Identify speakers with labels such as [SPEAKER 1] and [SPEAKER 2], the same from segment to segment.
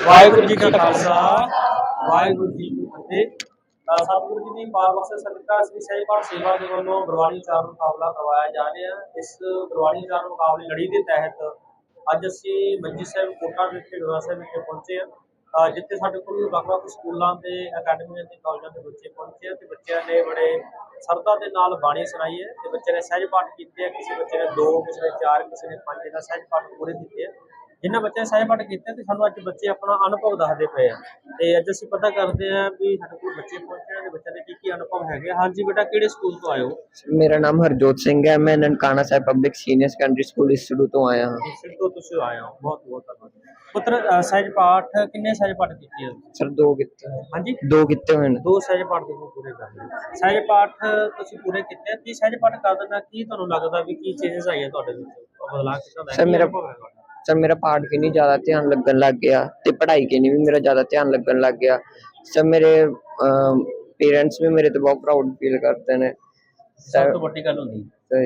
[SPEAKER 1] ਵਾਹਿਗੁਰੂ ਜੀ ਕਾ ਖਾਲਸਾ ਵਾਹਿਗੁਰੂ ਜੀ ਕੀ ਫਤਿਹ। ਸਤਿਗੁਰੂ ਜੀ ਦੀ ਪਾਵਨ ਬਖਸ਼ ਸਦਕਾ ਸ੍ਰੀ ਸਹਿਜ ਪਾਠ ਸੇਵਾ ਦੇ ਵੱਲੋਂ ਗੁਰਬਾਣੀ ਉਚਾਰਨ ਮੁਕਾਬਲਾ ਕਰਵਾਇਆ ਜਾ ਰਿਹਾ ਹੈ। ਇਸ ਗੁਰਬਾਣੀ ਉਚਾਰਨ ਮੁਕਾਬਲੇ ਲੜੀ ਦੇ ਤਹਿਤ ਅੱਜ ਅਸੀਂ ਮੰਜੀ ਸਾਹਿਬ ਕੋਟਾ ਵਿਖੇ ਗੁਰਦੁਆਰਾ ਸਾਹਿਬ ਵਿਖੇ ਪਹੁੰਚੇ ਹਾਂ, ਜਿੱਥੇ ਸਾਡੇ ਕੋਲ ਵੱਖ-ਵੱਖ ਸਕੂਲਾਂ ਤੇ ਅਕੈਡਮੀਆਂ ਤੇ ਕਾਲਜਾਂ ਦੇ ਬੱਚੇ ਪਹੁੰਚੇ ਆ ਤੇ ਬੱਚਿਆਂ ਨੇ ਬੜੇ ਸਰਧਾ ਦੇ ਨਾਲ ਬਾਣੀ ਸੁਣਾਈ ਹੈ ਤੇ ਬੱਚੇ ਨੇ ਸਹਿਜ ਪਾਠ ਕੀਤੇ ਆ। ਕਿਸੇ ਬੱਚੇ ਨੇ 2, ਕਿਸੇ ਨੇ 4, ਕਿਸੇ ਨੇ 5 ਦਾ ਸਹਿਜ ਪਾਠ ਪੂਰੇ ਕੀਤੇ ਆ। ਜਿਨ੍ਹਾਂ ਬੱਚਿਆਂ ਨੇ ਸਹਿਜ ਪਾਠ ਕੀਤੇ ਤੇ ਸਾਨੂੰ ਅੱਜ ਬੱਚੇ ਆਪਣਾ ਅਨੁਭਵ ਦੱਸਦੇ ਪਏ ਆ ਤੇ ਅੱਜ ਅਸੀਂ ਪਤਾ ਕਰਦੇ ਆ ਵੀ ਸਾਡੇ ਕੋਲ ਬੱਚੇ ਪਹੁੰਚੇ ਆ ਤੇ ਬੱਚਿਆਂ ਦੇ ਕੀ ਅਨੁਭਵ ਹੈਗੇ। ਹਾਂਜੀ ਬੇਟਾ, ਕਿਹੜੇ ਸਕੂਲ ਤੋਂ ਆਏ ਹੋ?
[SPEAKER 2] मेरा नाम हरजोत सिंह है। मैं Nankana Sahib public senior secondary school Isru तो आया हाँ।
[SPEAKER 1] ਇਸ ਤੋਂ ਤੁਸੀਂ ਆਏ ਹੋ, ਬਹੁਤ ਬਹੁਤ ਧੰਨਵਾਦ ਪੁੱਤਰ। ਸਹਿਜ ਪਾਠ ਕਿੰਨੇ ਸਹਿਜ ਪਾਠ ਕੀਤੇ ਆ?
[SPEAKER 2] सर दो किते
[SPEAKER 1] ਹਾਂਜੀ,
[SPEAKER 2] दो किते हुए ने।
[SPEAKER 1] 2 ਸਹਿਜ ਪਾਠ ਤੁਸੀਂ ਪੂਰੇ ਕਰ ਲਏ। ਸਹਿਜ ਪਾਠ ਤੁਸੀਂ ਪੂਰੇ ਕੀਤੇ ਆ। ਕੀ ਸਹਿਜ ਪਾਠ ਕਰ ਦੇਣਾ ਕੀ ਤੁਹਾਨੂੰ ਲੱਗਦਾ ਵੀ ਕੀ ਚੇਂਜਸ ਆਈਆਂ ਤੁਹਾਡੇ ਵਿੱਚ, ਬਦਲਾਅ ਕਿੱਦਾਂ ਦਾ ਹੈ?
[SPEAKER 2] ਸਰ
[SPEAKER 1] ਕੀ
[SPEAKER 2] ਮੇਰਾ
[SPEAKER 1] ਅਨੁਭਵ ਹੈ ਤੁਹਾਡਾ?
[SPEAKER 2] सर मेरा पाठ की नहीं ज्यादा ध्यान लगन लग गया ते पढ़ाई के नहीं भी मेरा ज्यादा ध्यान लगन लग गया। सर मेरे पेरेंट्स भी मेरे तो बहुत प्राउड फील करते ने।
[SPEAKER 1] ਸਭ ਤੋਂ ਵੱਡੀ ਗੱਲ ਹੁੰਦੀ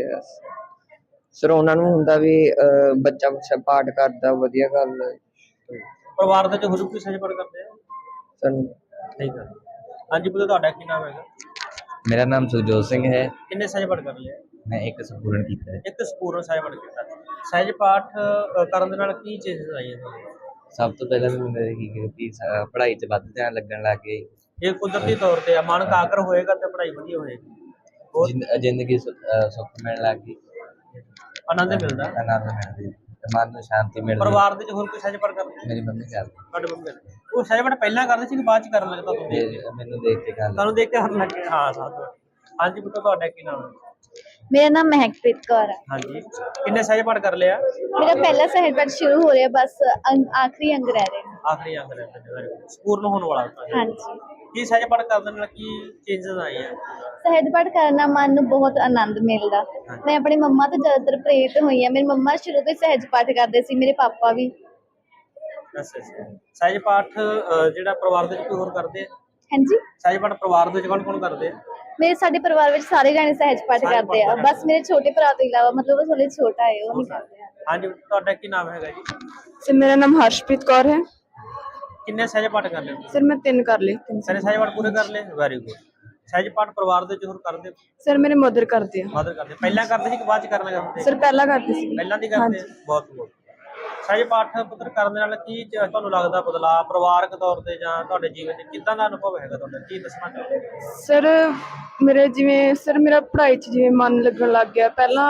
[SPEAKER 2] ਸਰ ਉਹਨਾਂ ਨੂੰ ਹੁੰਦਾ ਵੀ ਬੱਚਾ ਅੱਛਾ ਪਾਠ ਕਰਦਾ, ਵਧੀਆ ਗੱਲ ਹੈ।
[SPEAKER 1] ਪਰਿਵਾਰ ਦੇ ਚ ਹੋਰ ਕੋਈ ਸਹਿਜ ਪਾਠ ਕਰਦੇ ਆ?
[SPEAKER 2] ਸਰ
[SPEAKER 1] ਨਹੀਂ ਕਰਦੇ। ਹਾਂਜੀ ਪੁੱਤਰ, ਤੁਹਾਡਾ ਕੀ ਨਾਮ ਹੈਗਾ?
[SPEAKER 3] मेरा नाम सुखजोत सिंह है।
[SPEAKER 1] ਕਿੰਨੇ ਸਹਿਜ ਪਾਠ ਕਰ ਲਿਆ?
[SPEAKER 3] मैं एक संपूर्ण किया है।
[SPEAKER 1] ਇੱਕ ਸੰਪੂਰਨ ਸਹਿਜ ਪਾਠ ਕੀਤਾ। ਸਹਿਜ ਪਾਠ ਕਰਨ ਦੇ ਨਾਲ ਕੀ ਚੇਂਜਸ ਆਈਆਂ ਤੁਹਾਨੂੰ?
[SPEAKER 3] सब तो पहले मैं मेरी कि पढ़ाई च वध ध्यान लगन लग गए।
[SPEAKER 1] ਇਹ ਕੁਦਰਤੀ ਤੌਰ ਤੇ ਆ, ਮਨ ਇਕਾਗਰ ਹੋਏਗਾ ਤੇ ਪੜ੍ਹਾਈ ਵਧੀਆ ਹੋਏਗੀ, ਹੋਰ
[SPEAKER 3] जिंदगी सुख मिलने लग गई,
[SPEAKER 1] ਆਨੰਦ ਮਿਲਦਾ।
[SPEAKER 3] आनंद मिल गई, मन में शांति मिल गई।
[SPEAKER 1] ਪਰਿਵਾਰ ਦੇ ਚ ਹੋਰ ਕੋਈ ਸਹਿਜ ਪਾਠ ਕਰਦੇ?
[SPEAKER 3] मेरी मम्मी कर
[SPEAKER 1] ਤੁਹਾਡੇ ਮੰਮੀ ਕਰਦੇ। ਉਹ ਸਹਿਜ ਪਾਠ ਪਹਿਲਾਂ ਕਰਦੇ ਸੀ ਕਿ ਬਾਅਦ ਚ ਕਰਨ ਲੱਗੇ ਤੁਹਾਨੂੰ ਦੇਖ ਕੇ?
[SPEAKER 3] मैनू देख के गल
[SPEAKER 1] ਤੁਹਾਨੂੰ ਦੇਖ ਕੇ ਕਰਨ ਲੱਗੇ। ਹਾਂ ਸਾਥ। ਹਾਂਜੀ ਪੁੱਤਰ, ਤੁਹਾਡਾ ਕੀ ਨਾਮ ਹੈ?
[SPEAKER 4] मेरा नाम महकप्रीत कौर है।
[SPEAKER 1] ਹਾਂਜੀ, ਕਿੰਨੇ ਸਹਿਜ ਪਾਠ ਕਰ ਲਿਆ?
[SPEAKER 4] मेरा पहला सहज पाठ शुरू हो रहा है, बस आखिरी अंग रह रहे हैं।
[SPEAKER 1] ਆਖਰੀ ਅੰਗ ਰਹਿ ਗਿਆ, ਸੰਪੂਰਨ ਹੋਣ ਵਾਲਾ ਹੈ।
[SPEAKER 4] हाँ जी।
[SPEAKER 1] ਕੀ ਸਹਿਜ ਪਾਠ ਕਰਨ ਨਾਲ ਕੀ ਚੇਂਜਸ ਆਏ ਆ?
[SPEAKER 4] सहज पाठ करना मन ਨੂੰ ਬਹੁਤ ਆਨੰਦ ਮਿਲਦਾ। ਮੈਂ ਆਪਣੀ ਮੰਮਾ ਤੋਂ ਜ਼ਿਆਦਾਤਰ ਪ੍ਰੇਰਿਤ ਹੋਈ ਹਾਂ। ਮੇਰੀ ਮੰਮਾ ਸ਼ੁਰੂ ਤੋਂ ਹੀ ਸਹਿਜ ਪਾਠ ਕਰਦੇ ਸੀ, ਮੇਰੇ ਪਾਪਾ ਵੀ।
[SPEAKER 1] ਅੱਛਾ ਅੱਛਾ। ਸਹਿਜ ਪਾਠ ਜਿਹੜਾ ਪਰਿਵਾਰ ਦੇ ਵਿੱਚ ਕੋਈ ਹੋਰ ਕਰਦੇ ਆ?
[SPEAKER 4] ਹਾਂਜੀ,
[SPEAKER 1] ਸਹਿਜ ਪਾਠ ਪਰਿਵਾਰ ਦੇ ਵਿੱਚ ਕੌਣ ਕੌਣ ਕਰਦੇ ਆ?
[SPEAKER 4] ਮੇਰੇ ਸਾਡੇ ਪਰਿਵਾਰ ਵਿੱਚ ਸਾਰੇ ਜਾਣੇ ਸਹਿਜ ਪਾਠ ਕਰਦੇ ਆ। ਬਸ ਮੇਰੇ ਛੋਟੇ ਭਰਾ ਤੋਂ ਇਲਾਵਾ, ਮਤਲਬ ਉਹ ਥੋੜੇ ਛੋਟਾ ਹੈ, ਉਹ ਨਹੀਂ ਕਰਦੇ ਆ।
[SPEAKER 1] ਹਾਂਜੀ, ਤੁਹਾਡਾ ਕੀ ਨਾਮ ਹੈਗਾ ਜੀ?
[SPEAKER 5] सर मेरा नाम हर्षप्रीत कौर है।
[SPEAKER 1] ਕਿੰਨੇ ਸਹਿਜ ਪਾਠ ਕਰ ਲਏ?
[SPEAKER 5] सर मैं 3 कर ली।
[SPEAKER 1] ਸਾਰੇ ਸਹਿਜ ਪਾਠ ਪੂਰੇ ਕਰ ਲਏ, ਵੈਰੀ ਗੁੱਡ। ਸਹਿਜ ਪਾਠ ਪਰਿਵਾਰ ਦੇ ਵਿੱਚ ਹੋਰ ਕਰਦੇ?
[SPEAKER 5] सर मेरे मदर करते हैं।
[SPEAKER 1] ਮਦਰ ਕਰਦੇ? ਪਹਿਲਾਂ ਕਰਦੇ ਸੀ ਕਿ ਬਾਅਦ ਚ ਕਰਨ ਲੱਗੇ ਹੁੰਦੇ?
[SPEAKER 5] सर पहला करती सी।
[SPEAKER 1] ਪਹਿਲਾਂ ਦੀ ਕਰਦੇ ਆ? ਬਹੁਤ ਬਹੁਤ। ਸਹਿਜ ਪਾਠ ਪੁੱਤਰ ਕਰਨ ਦੇ ਨਾਲ ਕੀ ਤੁਹਾਨੂੰ ਲੱਗਦਾ ਬਦਲਾਅ ਪਰਿਵਾਰਕ ਤੌਰ ਤੇ ਜਾਂ ਤੁਹਾਡੇ ਜੀਵਨ 'ਚ ਕਿੱਦਾਂ ਦਾ ਅਨੁਭਵ ਹੈਗਾ ਤੁਹਾਡਾ, ਕੀ ਦੱਸਣਾ ਚਾਹੁੰਦੇ?
[SPEAKER 5] सर मेरे जिवें सर मेरा पढ़ाई च जिवें मन लगन लग गया पहला।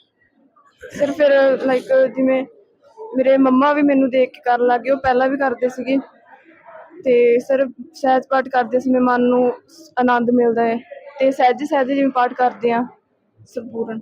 [SPEAKER 5] सर फिर लाइक जिवें मेरे मम्मा भी मैनू देख के कर लग गए, वो पहला भी करते सीगे ते सर सहज पाठ करते समय मन नू आनंद मिलता है ते सहजे सहजे जिवें पाठ करते हैं संपूर्ण।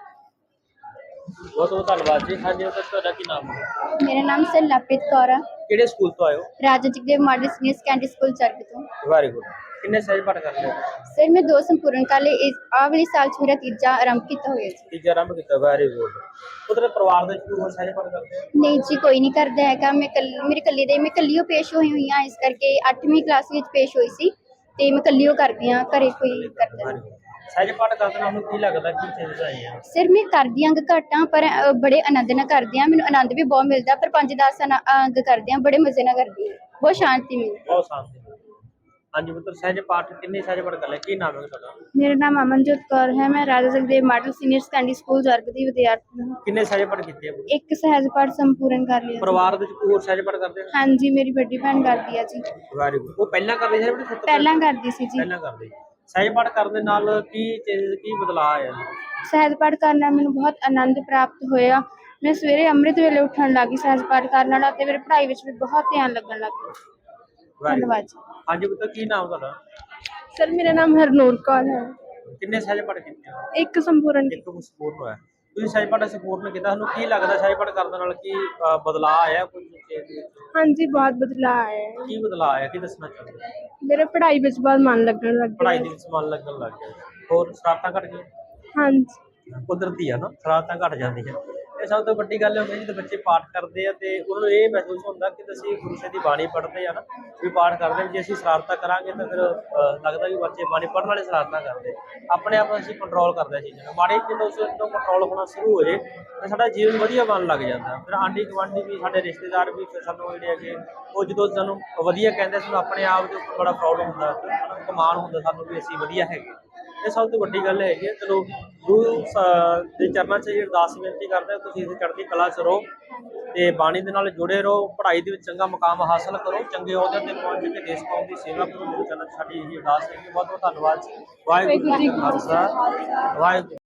[SPEAKER 1] ਬਹੁਤ ਬਹੁਤ ਧੰਨਵਾਦ ਜੀ। ਹਾਂਜੀ ਪੁੱਤਰ, ਤੁਹਾਡਾ ਕੀ ਨਾਮ ਹੈ?
[SPEAKER 4] ਮੇਰਾ ਨਾਮ ਸਰ ਲਵਪ੍ਰੀਤ ਕੌਰ ਆ।
[SPEAKER 1] ਕਿਹੜੇ ਸਕੂਲ ਤੋਂ ਆਏ ਹੋ?
[SPEAKER 4] Raja Jagdev model senior secondary school ਚਰਕ ਤੋਂ।
[SPEAKER 1] Very good. ਕਿੰਨੇ ਸਹਿਜ ਪਾਠ ਕਰ ਲਏ?
[SPEAKER 4] ਸਰ ਮੈਂ 2 ਸੰਪੂਰਨ ਕਰ ਲਏ। ਆਹ ਵਾਲੇ ਸਾਲ 'ਚ ਮੇਰਾ ਤੀਜਾ ਆਰੰਭ ਕੀਤਾ ਹੋਇਆ ਸੀ।
[SPEAKER 1] ਤੀਜਾ ਆਰੰਭ ਕੀਤਾ, ਵੈਰੀ ਗੁੱਡ। ਪੁੱਤਰ ਪਰਿਵਾਰ ਦੇ ਵਿੱਚ ਕੋਈ ਹੋਰ ਸਹਿਜ ਪਾਠ ਕਰਦੇ ਆ?
[SPEAKER 4] ਨਹੀਂ ਜੀ, ਕੋਈ ਨਹੀਂ ਕਰਦਾ ਹੈਗਾ। ਮੈਂ ਮੇਰੀ ਕੱਲੀ ਦੇ, ਮੈਂ ਕੱਲੀ ਓ ਪੇਸ਼ ਹੋਈ ਹੋਈ ਹਾਂ, ਇਸ ਕਰਕੇ 8ਵੀਂ ਕਲਾਸ ਵਿੱਚ ਪੇਸ਼ ਹੋਈ ਸੀ ਤੇ ਮੈਂ ਕੱਲੀ ਓ ਕਰਦੀ ਹਾਂ, ਘਰੇ ਕੋਈ ਕਰਦਾ ਨਹੀਂ।
[SPEAKER 1] ਸਹਿਜ ਪਾਠ ਕਰਦੇ ਨਾਲ ਕੀ ਲੱਗਦਾ, ਕੀ ਚੇਂਜਸ ਆਏ ਆ?
[SPEAKER 4] ਸਿਰ ਮੈਂ ਕਰਦੀ ਅੰਗ ਘੱਟ ਹਾਂ, ਪਰ ਬੜੇ ਆਨੰਦ ਨਾਲ ਕਰਦੀ ਹਾਂ। ਮੈਨੂੰ ਆਨੰਦ ਵੀ ਬਹੁਤ ਮਿਲਦਾ, ਪਰ 5-10 ਅੰਗ ਕਰਦੀ ਹਾਂ, ਬੜੇ ਮਜ਼ੇ ਨਾਲ ਕਰਦੀ ਹਾਂ, ਬਹੁਤ ਸ਼ਾਂਤੀ ਮਿਲਦੀ।
[SPEAKER 1] ਬਹੁਤ ਸ਼ਾਂਤੀ। ਹਾਂਜੀ ਪੁੱਤਰ, ਸਹਿਜ ਪਾਠ ਕਿੰਨੇ ਸਹਿਜ ਪਾਠ ਕਰ ਲਏ? ਕੀ ਨਾਮ ਹੈ ਤੁਹਾਡਾ?
[SPEAKER 5] मेरा नाम अमनजोत कौर है। मैं Raja Jagdev model senior secondary school जरग दी विद्यार्थी हूँ।
[SPEAKER 1] ਕਿੰਨੇ ਸਹਿਜ ਪਾਠ ਕੀਤੇ ਆ?
[SPEAKER 5] एक सहज पाठ संपूर्ण कर लिया।
[SPEAKER 1] ਪਰਿਵਾਰ ਦੇ ਵਿੱਚ ਕੋਈ ਹੋਰ ਸਹਿਜ ਪਾਠ ਕਰਦੇ ਆ?
[SPEAKER 5] हाँ जी, मेरी बड़ी भैन करती है जी।
[SPEAKER 1] Very good. ਉਹ ਪਹਿਲਾਂ ਕਰਦੇ ਸੀ ਆਪਣੇ ਸੱਤ?
[SPEAKER 5] पहला करती सी जी।
[SPEAKER 1] ਪਹਿਲਾਂ ਕਰਦੇ। ਸਹਿਜ ਪਾਠ ਕਰਨ ਦੇ ਨਾਲ ਕੀ ਚੇਂਜਸ, ਕੀ ਬਦਲਾਅ ਆਇਆ?
[SPEAKER 5] सहज पाठ करना मैंने बहुत आनंद प्राप्त होया। मैं सवेरे अमृत वेले उठन लगी सहज पाठ करने नाल ते मेरी पढ़ाई विच भी बहुत ध्यान लगन लग गया। धन्यवाद जी।
[SPEAKER 1] ਹਾਂਜੀ ਪੁੱਤਰ, ਕੀ ਨਾਮ ਤੁਹਾਡਾ?
[SPEAKER 5] सर मेरा नाम हरनूर कौर है।
[SPEAKER 1] ਕਿੰਨੇ ਸਹਿਜ ਪਾਠ ਕੀਤੇ ਆ?
[SPEAKER 5] एक संपूर्ण।
[SPEAKER 1] ਇੱਕ ਸੰਪੂਰਨ ਹੋਇਆ। ਤੁਸੀਂ ਸਹਿਜ ਪਾਠ ਸੰਪੂਰਨ ਕੀਤਾ, ਤੁਹਾਨੂੰ ਕੀ ਲੱਗਦਾ ਸਹਿਜ ਪਾਠ ਕਰਨ ਦੇ ਨਾਲ ਕੀ ਬਦਲਾਅ ਆਇਆ? ਕੋਈ ਚੇਂਜ?
[SPEAKER 5] हाँ जी, बहुत बदलाव आया है।
[SPEAKER 1] ਕੀ ਬਦਲਾਅ आया, ਕੀ ਦੱਸਣਾ ਚਾਹੁੰਦੇ?
[SPEAKER 5] मेरे पढ़ाई विच बहुत मन लगन लग
[SPEAKER 1] ਪੜ੍ਹਾਈ
[SPEAKER 5] गया।
[SPEAKER 1] ਦੇ ਵਿੱਚ ਮਨ ਲੱਗਣ ਲੱਗ ਗਿਆ। ਹੋਰ ਸ਼ਰਾਰਤਾਂ ਘਟ ਗਈਆਂ?
[SPEAKER 5] हाँ जी।
[SPEAKER 1] ਕੁਦਰਤੀ ਆ ਨਾ, ਸ਼ਰਾਰਤਾਂ ਘਟ ਜਾਂਦੀਆਂ। ਤੇ ਸਭ ਤੋਂ ਵੱਡੀ ਗੱਲ ਹੁੰਦੀ ਜਦੋਂ ਬੱਚੇ ਪਾਠ ਕਰਦੇ ਆ ਤੇ ਉਹਨਾਂ ਨੂੰ ਇਹ ਮਹਿਸੂਸ ਹੁੰਦਾ ਕਿ ਅਸੀਂ ਗੁਰੂ ਸਾਹਿਬ ਦੀ ਬਾਣੀ ਪੜ੍ਹਦੇ ਆ ਨਾ, ਵੀ ਪਾਠ ਕਰਦੇ ਹਾਂ, ਜੇ ਅਸੀਂ ਸ਼ਰਾਰਤਾਂ ਕਰਾਂਗੇ ਤਾਂ ਫਿਰ ਲੱਗਦਾ ਵੀ ਬੱਚੇ ਬਾਣੀ ਪੜ੍ਹਨ ਵਾਲੇ ਸ਼ਰਾਰਤਾਂ ਕਰਦੇ, ਆਪਣੇ ਆਪ ਨੂੰ ਅਸੀਂ ਕੰਟਰੋਲ ਕਰਦੇ ਹਾਂ ਚੀਜ਼ਾਂ ਨੂੰ। ਮਾੜੀ ਜਦੋਂ ਉਸ ਤੋਂ ਕੰਟਰੋਲ ਹੋਣਾ ਸ਼ੁਰੂ ਹੋ ਜੇ ਤਾਂ ਸਾਡਾ ਜੀਵਨ ਵਧੀਆ ਬਣਨ ਲੱਗ ਜਾਂਦਾ। ਫਿਰ ਆਂਢੀ ਗੁਆਂਢੀ ਵੀ, ਸਾਡੇ ਰਿਸ਼ਤੇਦਾਰ ਵੀ ਫਿਰ ਸਾਨੂੰ ਜਿਹੜੇ ਹੈਗੇ ਉਹ ਜਦੋਂ ਸਾਨੂੰ ਵਧੀਆ ਕਹਿੰਦੇ, ਸਾਨੂੰ ਆਪਣੇ ਆਪ ਦੇ ਉੱਪਰ ਬੜਾ ਪ੍ਰਾਊਡ ਹੁੰਦਾ, ਕਮਾਲ ਹੁੰਦਾ ਸਾਨੂੰ ਵੀ ਅਸੀਂ ਵਧੀਆ ਹੈਗੇ। ਇਹ ਸਭ ਤੋਂ ਵੱਡੀ ਗੱਲ ਹੈਗੀ ਹੈ। ਚਲੋ ਗੁਰੂ ਦੇ ਚਰਨਾਂ 'ਚ ਅਰਦਾਸ ਬੇਨਤੀ ਕਰਦੇ ਹਾਂ, ਤੁਸੀਂ ਇਸ ਚੜ੍ਹਦੀ ਕਲਾ 'ਚ ਰਹੋ ਤੇ ਬਾਣੀ ਦੇ ਨਾਲ ਜੁੜੇ ਰਹੋ, ਪੜ੍ਹਾਈ ਦੇ ਵਿੱਚ ਚੰਗਾ ਮੁਕਾਮ ਹਾਸਲ ਕਰੋ, ਚੰਗੇ ਅਹੁਦਿਆਂ 'ਤੇ ਪਹੁੰਚ ਕੇ ਦੇਸ਼ ਕੌਮ ਦੀ ਸੇਵਾ ਕਰੋ। ਗੁਰੂ ਚਰਨਾਂ 'ਚ ਸਾਡੀ ਇਹੀ ਅਰਦਾਸ ਹੈ। ਬਹੁਤ ਬਹੁਤ ਧੰਨਵਾਦ ਜੀ। ਵਾਹਿਗੁਰੂ ਜੀ ਕਾ ਖਾਲਸਾ, ਵਾਹਿਗੁਰੂ।